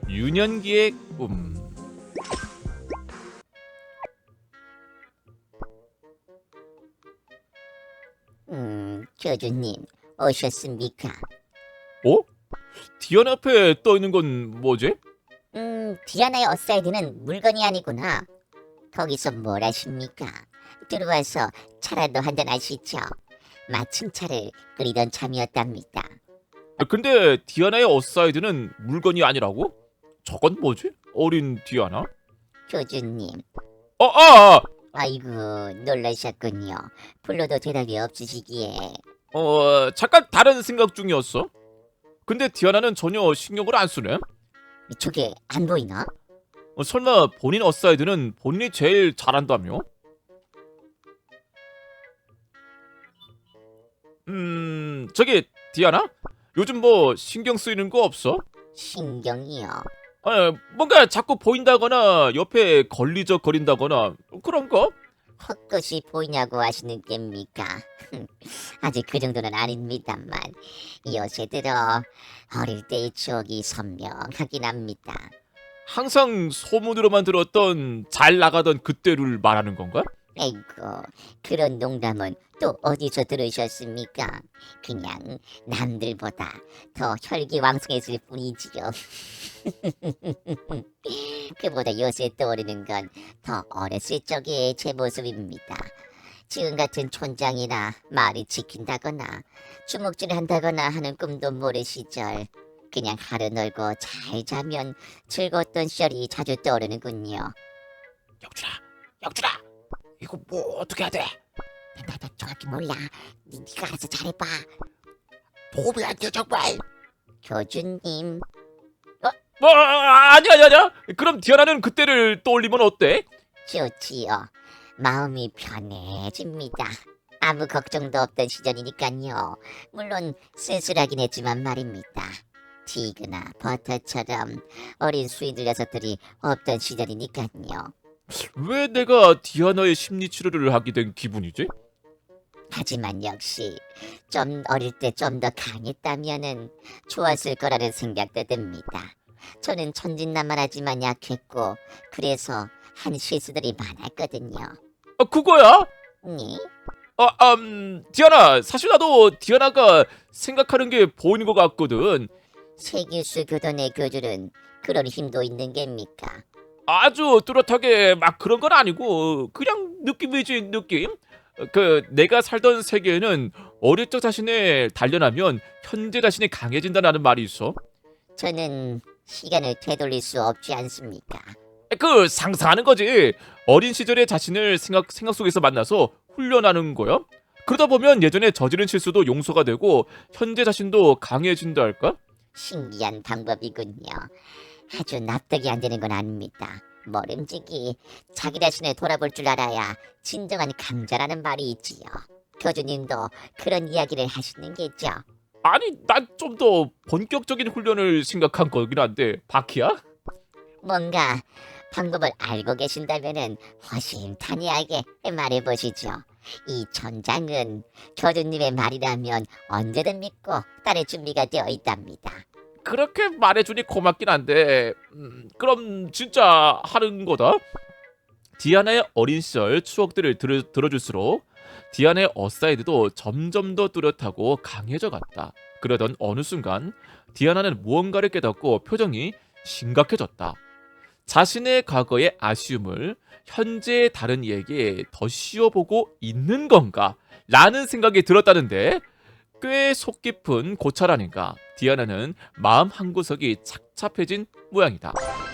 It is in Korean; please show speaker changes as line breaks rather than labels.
유년기의 꿈.
교주님, 오셨습니까?
어? 디안 앞에 떠 있는 건 뭐지?
디아나의 어사이드는 물건이 아니구나. 거기서 뭘 하십니까? 들어와서 차라도 한잔 하시죠. 마침 차를 끓이던 참이었답니다.
근데 디아나의 어사이드는 물건이 아니라고? 저건 뭐지? 어린 디아나?
교주님,
아!
아이고 놀라셨군요. 불러도 대답이 없으시기에.
잠깐 다른 생각 중이었어. 근데 디아나는 전혀 신경을 안 쓰네.
저게 안 보이나?
설마 본인 어사이드는 본인이 제일 잘한다며? 저기 디아나? 요즘 뭐 신경 쓰이는 거 없어?
신경이요.
뭔가 자꾸 보인다거나 옆에 걸리적거린다거나 그런 거?
헛것이 보이냐고 하시는 깹니까? 아직 그 정도는 아닙니다만 요새 들어 어릴 때의 추억이 선명하긴 합니다.
항상 소문으로만 들었던 잘 나가던 그때를 말하는 건가?
아이고, 그런 농담은 또 어디서 들으셨습니까? 그냥 남들보다 더 혈기왕성했을 뿐이지요. 그보다 요새 떠오르는 건 더 어렸을 적의 제 모습입니다. 지금 같은 촌장이나 말이 지킨다거나 주먹질 한다거나 하는 꿈도 모를 시절, 그냥 하루 놀고 잘 자면 즐거웠던 시절이 자주 떠오르는군요.
영준아, 이거 뭐 어떻게 해야 돼?
나 정확히 몰라. 네가 알아서 잘해봐.
도움이 안 돼 정말.
교주님,
아니야. 그럼 디아나는 그때를 떠올리면 어때?
좋지요. 마음이 편해집니다. 아무 걱정도 없던 시절이니까요. 물론 쓸쓸하긴 했지만 말입니다. 티그나 버터처럼 어린 수의들 녀석들이 없던 시절이니까요.
왜 내가 디아나의 심리 치료를 하게 된 기분이지?
하지만 역시 좀 어릴 때 좀 더 강했다면은 좋았을 거라는 생각도 듭니다. 저는 천진난만하지만 약했고 그래서 한 실수들이 많았거든요.
그거야?
네?
디아나, 사실 나도 디아나가 생각하는 게 보이는 것 같거든.
세길수 교단의 교주는 그런 힘도 있는 겁니까?
아주 뚜렷하게 막 그런 건 아니고 그냥 느낌이지 느낌. 내가 살던 세계에는 어릴 적 자신을 단련하면 현재 자신이 강해진다는 말이 있어.
저는 시간을 되돌릴 수 없지 않습니까?
상상하는 거지. 어린 시절의 자신을 생각 속에서 만나서 훈련하는 거야. 그러다 보면 예전에 저지른 실수도 용서가 되고 현재 자신도 강해진다 할까?
신기한 방법이군요. 아주 납득이 안 되는 건 아닙니다. 모름지기 자기 자신을 돌아볼 줄 알아야 진정한 강자라는 말이 있지요. 교주님도 그런 이야기를 하시는 게죠.
아니, 난 좀 더 본격적인 훈련을 생각한 거긴 한데 바키야?
뭔가 방법을 알고 계신다면은 허심탄회하게 말해보시죠. 이 전장은 교주님의 말이라면 언제든 믿고 따를 준비가 되어 있답니다.
그렇게 말해주니 고맙긴 한데 그럼 진짜 하는 거다? 디아나의 어린 시절 추억들을 들어줄수록 디아나의 어사이드도 점점 더 뚜렷하고 강해져 갔다. 그러던 어느 순간 디아나는 무언가를 깨닫고 표정이 심각해졌다. 자신의 과거의 아쉬움을 현재의 다른 이에게 더 씌워보고 있는 건가? 라는 생각이 들었다는데 꽤 속 깊은 고찰 아닌가. 디아나는 마음 한구석이 착잡해진 모양이다.